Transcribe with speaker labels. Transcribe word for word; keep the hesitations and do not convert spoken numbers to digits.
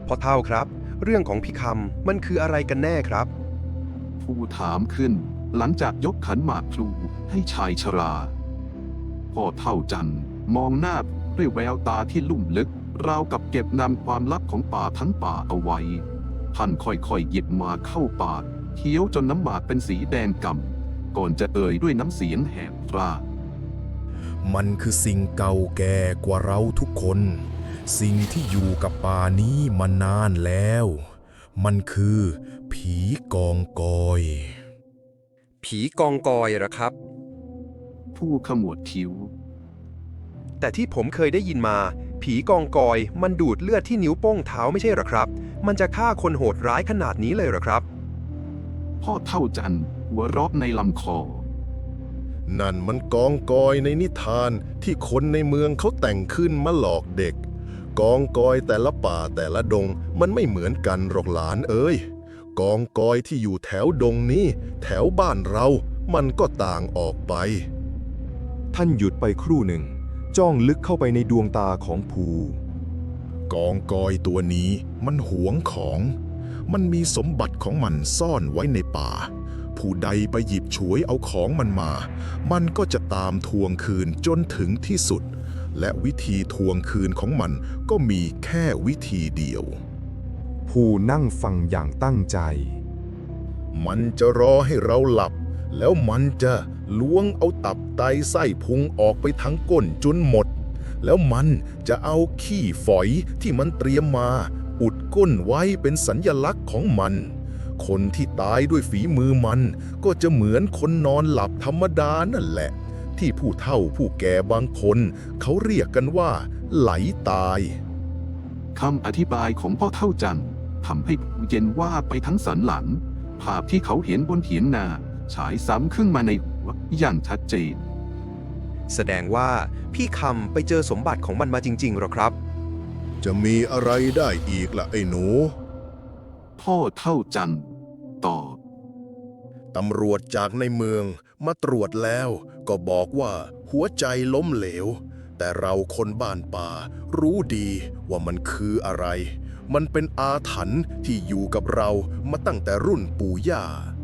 Speaker 1: พ่อเฒ่าครับเรื่องของพี่คำมันคืออะไรกันแน่ครับ
Speaker 2: ผู้ถามขึ้นหลังจากยกขันหมากพลูให้ชายชราพ่อเฒ่าจันทร์มองหน้าด้วยแววตาที่ลุ่มลึกราวกับเก็บนำความลับของป่าทั้งป่าเอาไว้ท่านค่อยๆหยิบหมากเข้าปากเคี้ยวจนน้ำหมากเป็นสีแดงก่ำก่อนจะเอ่ยด้วยน้ำเสียงแหบกร้าน
Speaker 3: มันคือสิ่งเก่าแก่กว่าเราทุกคน สิ่งที่อยู่กับป่านี้มานานแล้ว มันคือผีกองกอย
Speaker 1: ผีกองกอยเหรอครับ
Speaker 2: ผู้ขมวดคิ้ว
Speaker 1: แต่ที่ผมเคยได้ยินมา ผีกองกอยมันดูดเลือดที่นิ้วโป้งเท้าไม่ใช่เหรอครับ มันจะฆ่าคนโหดร้ายขนาดนี้เลยเหรอครับ
Speaker 2: พ่อเฒ่าจันทร์หัวเราะในลำคอ
Speaker 3: นั่นมันกองกอยในนิทานที่คนในเมืองเขาแต่งขึ้นมาหลอกเด็ก กองกอยแต่ละป่าแต่ละดงมันไม่เหมือนกันหรอกหลานเอ้ยกองกอยที่อยู่แถวดงนี้ แถวบ้านเรา มันก็ต่างออกไป
Speaker 4: ท่านหยุดไปครู่หนึ่ง จ้องลึกเข้าไปในดวงตาของภู
Speaker 3: กองกอยตัวนี้มันหวงของ มันมีสมบัติของมันซ่อนไว้ในป่า ผู้ใดไปหยิบฉวยเอาของมันมา มันก็จะตามทวงคืนจนถึงที่สุด และวิธีทวงคืนของมันก็มีแค่วิธีเดียว
Speaker 4: ภูนั่งฟังอย่างตั้งใจ
Speaker 3: มันจะรอให้เราหลับ แล้วมันจะล้วงเอาตับไตไส้พุงออกไปทั้งก้นจนหมด แล้วมันจะเอาขี้ฝอยที่มันเตรียมมา อุดก้นไว้เป็นสัญญลักษณ์ของมัน คนที่ตายด้วยฝีมือมันก็จะเหมือนคนนอนหลับธรรมดานั่นแหละ ที่ผู้เฒ่าผู้แก่บางคนเขาเรียกกันว่า ไหลตาย
Speaker 2: คำอธิบายของพ่อเฒ่าจันทร์ทำให้ผู้เย็นว่าไปทั้งสันหลัง ภาพที่เขาเห็นบนเถียงนาฉายซ้ำขึ้นมาในหัวอย่างชัดเจน
Speaker 1: แสดงว่าพี่คำไปเจอสมบัติของมันมาจริงๆหรอครับ
Speaker 3: จะมีอะไรได้อีกล่ะไอ้หนู
Speaker 2: พ่อเฒ่าจันทร์ตอบ
Speaker 3: ตำรวจจากในเมืองมาตรวจแล้วก็บอกว่าหัวใจล้มเหลว แต่เราคนบ้านป่ารู้ดีว่ามันคืออะไร มันเป็นอาถรรพ์ที่อยู่กับเรามาตั้งแต่รุ่นปู่ย่า